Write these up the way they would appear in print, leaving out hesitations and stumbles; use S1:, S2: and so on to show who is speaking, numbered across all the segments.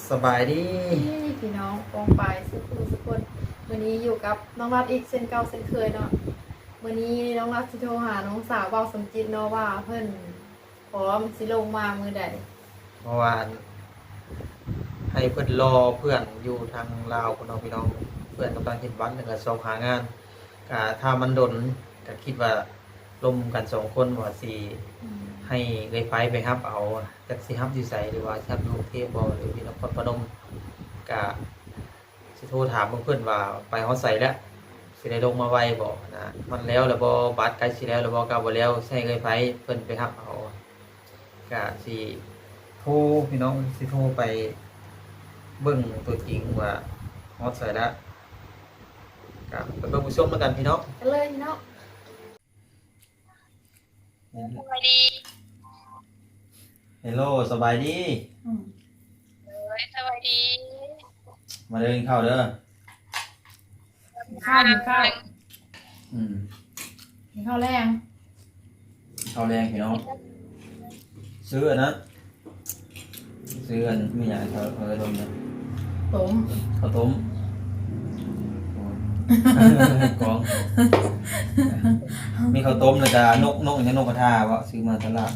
S1: สบายดี
S2: พี่น้องกองไปสุขคนวันนี้อยู่กับน้องรัดอีกเช่นเก่าเช่นเคยเนาะวันนี้น้องรัดสิโทรหาน้องสาวเบาสมจิตเนาะว่าเพิ่นพร้อมสิลงมามือใด
S1: เมื่อวานให้เพื่อนรอเพื่อนอยู่ทางลาวคนน้องพี่น้องเพื่อนกำลังเห็นวันหนึ่งกับสองหางานถ้ามันดนก็คิดว่าลมกัน2 คนว่าสิให้เลยไปฮับเอาจากสิฮับอยู่ไสหรือว่าฮับอยู่กรุงเทพบ่หรือที่นครพนมก็สิโทรถามเพื่อนว่าไปฮอดไสแล้วสิได้ลงมาไวบ่นะมันแล้วบ่บัตรใกล้สิแล้วบ่กลับบ่แล้วใช้เลยเพิ่นไปฮับเอาก็สิโทรพี่น้องสิโทรไปเบิ่งตัวจริงว่าฮอดไสแล้วก็ไปเบิ่งผู้ชมแล้วกันพี่น้อง
S2: กันเลยพี่น้อง
S3: สวัสดี
S1: เฮลโลสบายดี
S3: สวัสดี
S1: มาเดินเข้าเด้อ
S2: ข้าว
S1: อืม
S2: มีข้าวแรง
S1: เข้าแรงพี่น้องซื้ออันนั้นซื้ออันมีอย่างเขาจะต้มเนี่ย
S2: ต้ม
S1: ข้าวต้มกองมีข้าวต้มแล้วก็นกอย่างนี้นกกระทาวะซื้อมาตลาด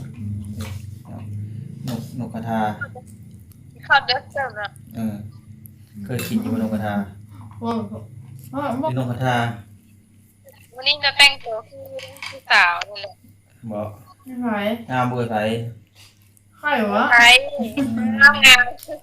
S1: นกกระทา
S3: ข้าวเด็ดจังนะ
S1: เคยกินอยู่นกกระทา
S2: ว่า
S1: เป็นนกกระทา
S3: วันนี้จะแต่งตัวพี่สาวนี่แหละ
S1: บอก
S2: ไม่ไหว
S1: งามเบื่อไผ
S2: ไข่วะ
S3: ใช่งามงาม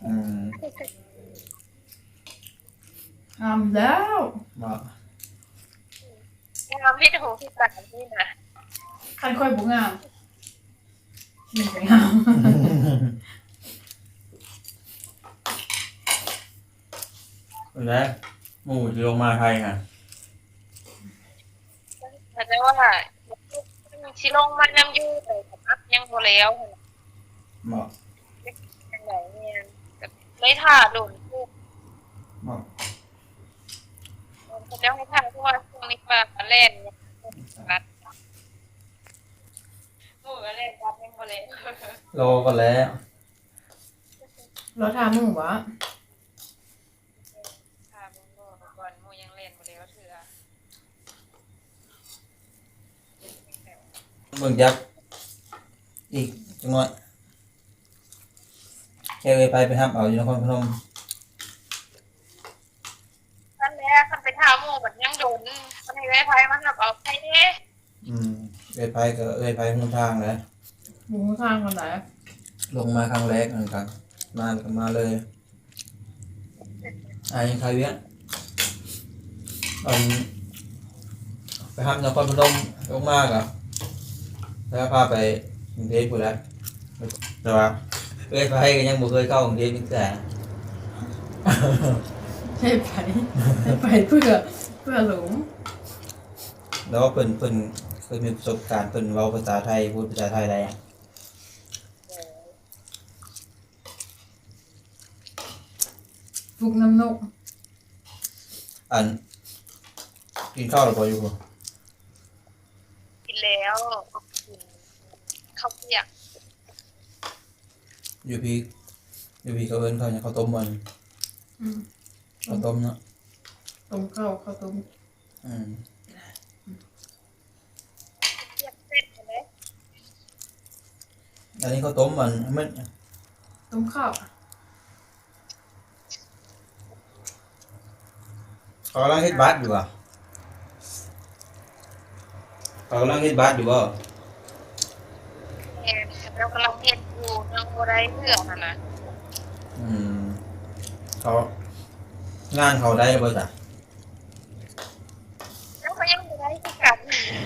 S2: งามแล้ว
S1: บอก
S3: งามพี่ถูพี่สาวนี่นะ
S2: ใครค่อยบุงามนี่ไปงาม
S1: แล้วหมูจะลงมาไทยค่ะ
S3: แต่ว่าชิลงมันน้ำยืดเลยครับยังโมแล้ว
S1: บอก
S3: ยังไงเนี่ยไม่ถ่าโดนพูด
S1: บอก
S3: เขาจะให้ถ่าเพราะว่าช่วงนี้ปลาเล่นรัดหมูเล่นรัดยังโมเลย
S1: โลก็แล้ว
S2: เราทำมึงวะ
S3: ก่อนมูยังเล่นหมดเลยก็เถื่อ
S1: เบิ่งยักษ์อีกจังหวะแค่ไปห้ามเอาอยู่นครพนม
S3: ท่านแม่ท่านไปท่าหมูแบบยังโดนท่านให้ไว้ไพ่มาครับเอาไปเนี่ย
S1: ไปก็ไปหนทางแล้ว
S2: หมูข้างคนไหน
S1: ลงมาครั้งแรกเหมือนกันมาก็มาเลยยังใครเวียนไปห้ามนครพนมลงมากอ่ะแล้วพาไปกรุงเทพอยู่แล้วแต่ว่าไปก็ยังบ่เคยเข้ากรุงเทพแต่
S2: ให้ไปเพื่อหลง
S1: แล้วเพิ่นเคยมีประสบการณ์เพิ่นเว้าภาษาไทยพูดภาษาไทยได้
S2: ฟุกน้ำนก
S1: กินข้าวหรือเปล่าอยู่บ่
S3: กินแล้วข้าวเปียก
S1: อยู่พี่เขาเอิ้นเขาเนี่ยข้าวต้มมันข้าวต้มเนาะ
S2: ต้มข้าวต้ม
S3: เปียกเสร็จไหม
S1: อันนี้ข้าวต้มมัน
S2: ต้มข้าว
S1: เขากำลังเฮ็ดบาสอยู่อ่ะเขากำลังเฮ็ดบาสอยู่บ่
S3: เรากำลังเห็ดอยู่ยังโมได้เพื่อนนะ
S1: เขางานเขาได้บ่จ้ะ
S3: แล้วก็ยังโมได้ที่กัน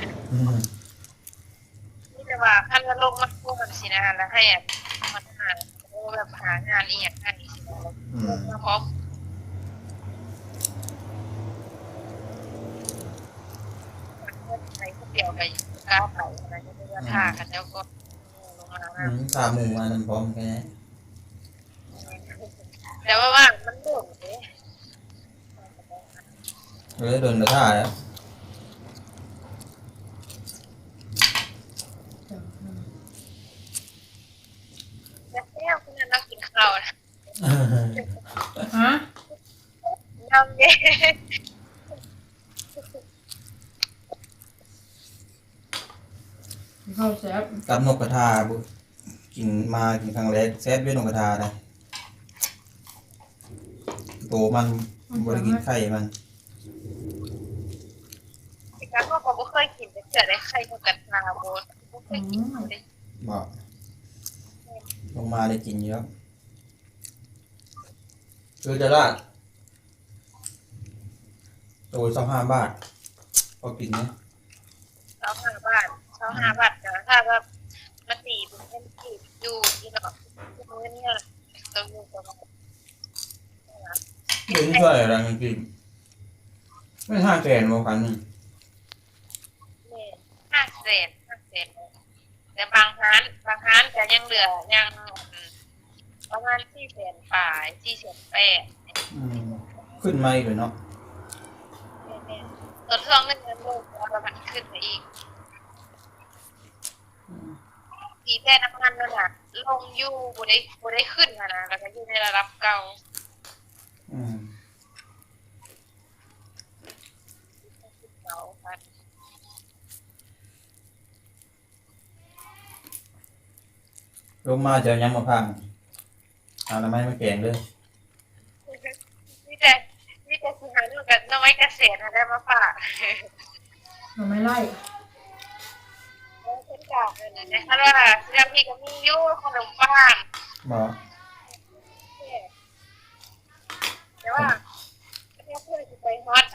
S3: นี่แต่ว่าขั้นลงมาพูดสินะแล้วให้มันหาแบบหางานอีกอย่างนี้สิมาพร้อมไปผู้เดียวไปก้าวไปอะไรก็จะท่ากันแล้วก็ลงมา
S1: ตามหมู่มานั่นพร้อมแค่นี้
S3: แต่ว่ามันโดน
S1: เลยโดนกระท่าแล้ว
S3: แล้วคุณนั่งกินข้าวนะ
S2: ข้าวแซ่บ
S1: กับนกกระทาบุกินมากินครั้งแรกแซ่บด้วยนกกระทานะโตมันบ่ได้กินไข่มัน
S3: แต่การก็บ่เคยกินแต่เกิดได้ไข่นกกระทาบ่เคยกินเลย
S1: บอกลงมาได้กินเยอะคือจะราดตัว25 บาทพอกินนะ
S3: 25 บาท25 บาทนะถ้าว่ามาตีเป็นเงินกีบอยู่ที่เนาะมื้อเนี่ยต้องอยู่ประมาณ
S1: เดี๋ยวนี้ช่วยอะไรกันกินไม่500,000โมกันหนึ่ง
S3: 500,000แต่บางร้านจะยังเหลือยังประมาณ400,000ฝ่าย480,000
S1: ขึ้นมาอีกเลยเนาะ
S3: ส่วนช่วงเงินโลกแล้วมันขึ้นไปอีกอีแต่น้ำมันนั่นน่ะลงอยู่บ่ได้ขึ้นนะแล้วก็อยู่ในระดับเก่า
S1: อืม
S3: เก่าค่ะ
S1: ลงมาจะยังมาพังเอาทำไมไม่แกงเลย
S3: มีแต่สิหาเรื่องกับน้อยเกษตรได้มาฝาก
S2: เราไม่ไล่
S3: เช่นกันนะคะว่าเรื่องพี่ก็มีอยู่ขนมปัง
S1: บอก
S3: แต่ว่าเพื่อนจะไปฮอต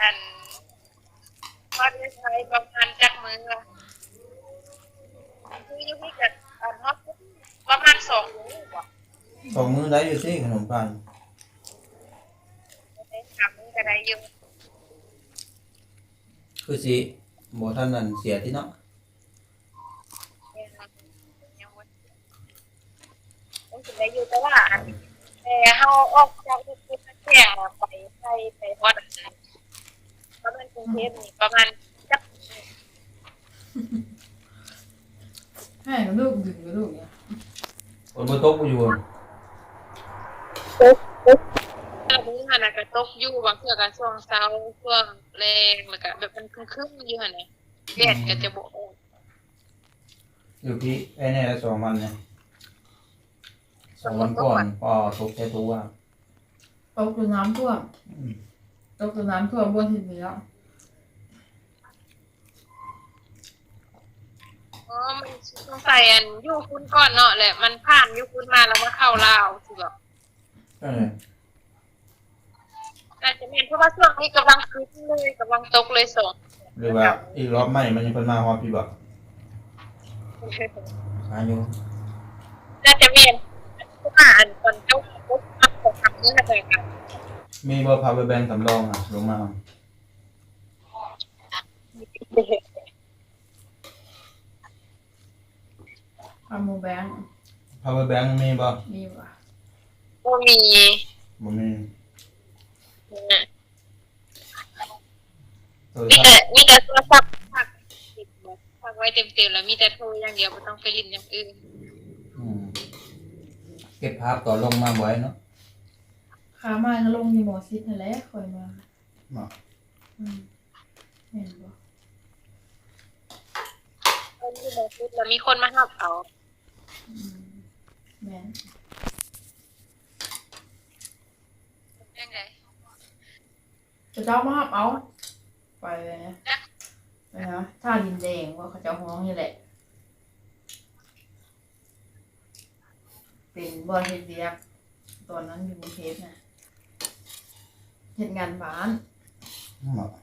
S3: ได้ใช้ประมาณจักมือคืออยู่ที่กับฮอตประมาณ2 มื้อบ่
S1: 2 มื้อได้อยู่สิขนมปัง
S3: ได้3 มื้อก็ได้อยู่
S1: คือสิบ่ท่านนั่นเสียที่เนาะ
S3: ยังบ่ต้องสิได้อยู่แต่ว่าเฮาออกจากที่แจ้งไปฮอตประมาณกรุงเทพนี่ประมาณจัก
S2: ให้กับลูกดึงกับลูกเนี่ย
S1: ฝนบ่ตกบ่อยู่
S3: มื้อหั่นน่ะก็ตกอยู่บางเทื่อก็ช่วงเช้าช่วงแลงแล้วก็แบบมันครึ้มๆอยู่หั่นน่ะแดดก็จะบ่ออก
S1: อยู่ที่ไอ้นี่ละ2 วันเนี่ย2 วันก่อนก็ตกแค่ตัว
S2: ตกคือน้ำท่วมตกคือน้ำท่วมบนทิศเหนือ
S3: มันสงสัยอยู่คุณก่อนเนาะแหละมันผ่านอยู่คุณมาแล้วมาเข้าลาวสิแบบ น่าจะแม่นเพราะว่าช่วงนี้กำลังขึ้นเลยกำลังตกเลยส่ง
S1: หรือว่าอีกรอบใหม่มันยังเพิ่นมาฮอดพี่บ่อายุ
S3: น่าจะแม่นเพราะว่าตอนเจ้าปุ๊บมาของทำเนื้อเลยค่ะ
S1: มีบ่ power bank สำรองอ่ะลงมา
S2: อามูแบงค์
S1: power bank มีบ่
S2: มีว่ะ
S3: ก็มี
S1: บ่มีโทร
S3: มี
S1: ศัพท์
S3: แต่โทรศัพท์พักไว้เต็มๆแล้วมีแต่โทรอย่างเดียวไม่ต้องไปลิ้นอย่างอื่น
S1: เก็บภาพต่อนลงมาไว้เนาะ
S2: ขามาก็ลงที่หมอชิดนั่นแหละคอยมา
S1: เนาะ
S2: เห็นบ่
S3: คนที่มาพูดแล้วมีคนมาหับเอา
S2: แม่น
S3: ยังไง
S2: จะเจ้ามาหับเอาไปเลยนะนะท่าดินแดงว่าเขาเจ้าห้องนี่แหละเป็นบอลเฮ็ดเวียกตอนนั้นอยู่กรุงเทพนะเฮ็ดงานบ้าน
S1: เนาะ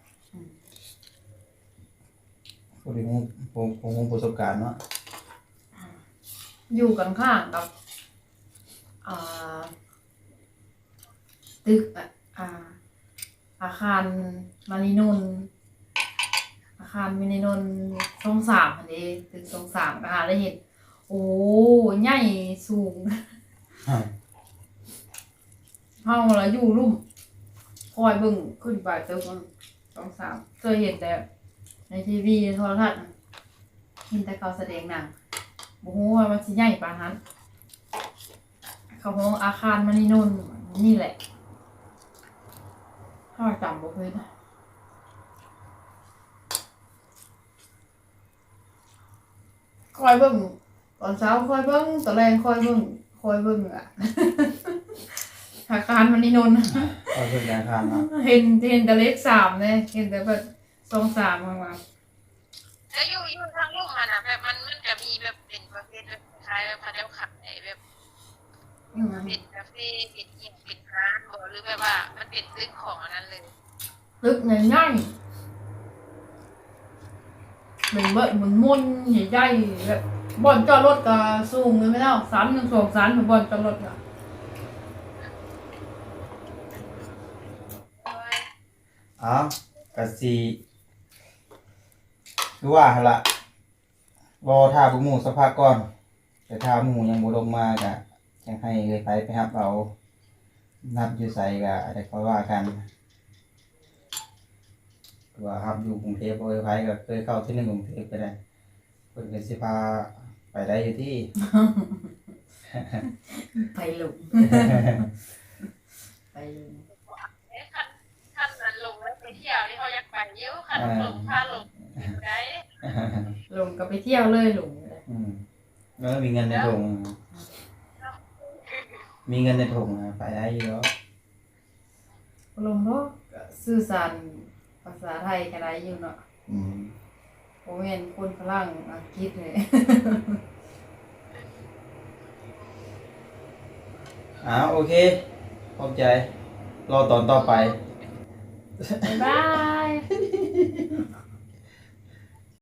S1: พอดีผมประสบการณ์เนาะ
S2: อยู่กันข้างกับอ่าตึกอาคารมารินนท์อาคารมินินนท์ช่อง3อันนี้ตึกช่อง3ก็หาได้เห็นโอ้ใหญ่สูงเฮาละอยู่ลุ่มคอยเบิ่งขึ้นไปตึกช่อง3เคยเห็นแต่ในทีวีโทรทัศน์เห็นแต่เขาแสดงหนังบ่ฮู้ว่ามันสิใหญ่ปานนั้นเขาของอาคารมณีนนท์นี่แหละข้าวต่ำบ่เคยนะคอยเบิ่งตอนเช้าคอยเบิ่งตอนแรงคอยเบิ่งอ่ะ อาการมันนี่นนท์
S1: เอาเพิ่นการทานเนาะ
S2: เห็นแต่เลข3เลยเห็นแต่แบบ2-3มา
S3: แล้วอยู่ทางลูกมันอ่ะแบบมันจะมีแบบเป็นประเภทแบบคล้ายแบบพาเจ้าขับไอ้แบบเป็นคาเฟ่เป็นยิมเป็นร้านบ่หรือแบบว่ามันเป็นตึกของอันนั้นเลย
S2: ตึกง่ายๆเป็นเบิดหมุนๆใหญ่ๆแบบบ่อนจอดรถก็สูงเลยไม่เท่า3-2 ชั้นบ่อนจอดรถอ่ะ
S1: อ้าวก็สิคือว่าหั่นล่ะรอท่าพวกหมู่สักพักก่อนแต่ถ้าหมู่ยังบ่ลงมาก็จังให้เอ้ยไปรับเอานับอยู่ไสก็ได้ค่อยว่ากันว่ารับอยู่กรุงเทพบ่เอ้ยไผก็เคยเข้าที่นึงกรุงเทพก็ได้เพิ่นก็สิพาไปได้อยู่ที่
S2: ไปลง ไปลง
S3: ขั้นนั้นลงแล้วไปเที่ยวนี่เขาอยากไปเยอะขั้นลงพาลงได้
S2: ลงก็ไปเที่ยวเลยลง
S1: อืมแล้วมีเงินในถุงมีเงินในถุงอะไปได้อยู่แล้ว
S2: ลงเนาะก็สื่อสารภาษาไทยกันได้อยู่เนาะ
S1: อืม
S2: โมเมนคนฝรั่งอังกฤษเลย
S1: โอเคขอบใจรอตอนต่อไป
S2: บ๊ายบาย